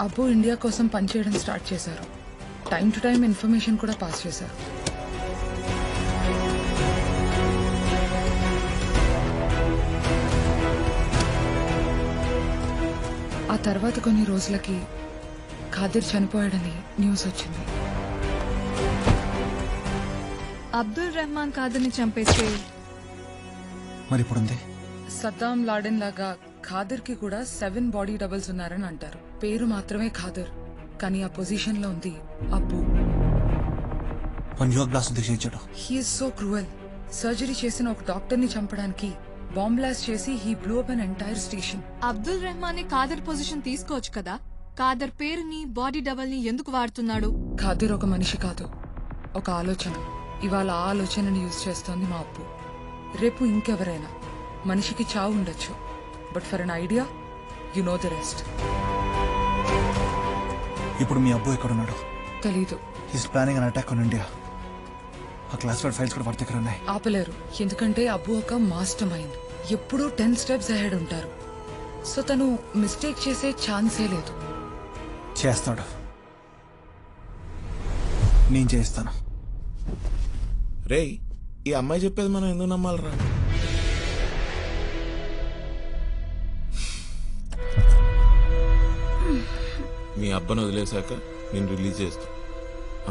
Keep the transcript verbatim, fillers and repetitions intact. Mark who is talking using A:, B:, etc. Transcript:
A: అబ్బు India కోసం పనిచేయడం start చేశారు. టైం టు టైం ఇన్ఫర్మేషన్ కూడా పాస్ చేశారు. ఆ తర్వాత కొన్ని రోజులకి ఖాదిర్ చనిపోయాడని న్యూస్ వచ్చింది.
B: అబ్దుల్ రెహమాన్ ఖాదర్ని చంపేస్తే
C: మరి ఇప్పుడుంది
A: సద్దాం లాడెన్ లాగా ఖాదర్ కి కూడా సెవెన్ బాడీ డబుల్స్ ఉన్నారని అంటారు. పేరు మాత్రమే ఖాదర్, కానీ ఆ పొజిషన్ లో ఉంది అబ్బు.
C: గ్లాస్ ఉద్దేశించాడు.
A: He is so cruel. సర్జరీ చేసిన ఒక డాక్టర్ ని చంపడానికి బాంబ్ బ్లాస్ట్ చేసి he blew up an entire station.
B: Abdul Rehman Khader position తీసుకోవచ్చు కదా. ఖాదర్ పేరుని బాడీ డబల్ ని ఎందుకు వాడుతున్నాడు?
A: ఖాదర్ ఒక మనిషి కాదు, ఒక ఆలోచన. ఇవాళ ఆ ఆలోచనని యూజ్ చేస్తోంది మా అప్పు. రేపు ఇంకెవరైనా. మనిషికి చావు ఉండొచ్చు, but for an idea you know the rest.
C: ఇప్పుడు మీ అబ్బు ఎక్కడున్నాడు?
A: తెలీదు.
C: His planning an attack on India. ఆ క్లాసిఫైడ్ ఫైల్స్ కూడా వాడి దగ్గర ఉన్నాయి.
A: ఆపలేరు, ఎందుకంటే అబ్బు ఒక మాస్టర్ మైండ్. ఎప్పుడూ టెన్ స్టెప్స్ అహెడ్ ఉంటారు. సో తను మిస్టేక్ చేసే ఛాన్సే లేదు.
C: చేస్తాడు, నేను చేస్తాను.
D: రేయ్, ఈ అమ్మాయి చెప్పేది మనం ఎందుకు నమ్మాలరా? మీ అబ్బను వదిలేశాక నేను రిలీజ్ చేస్తా.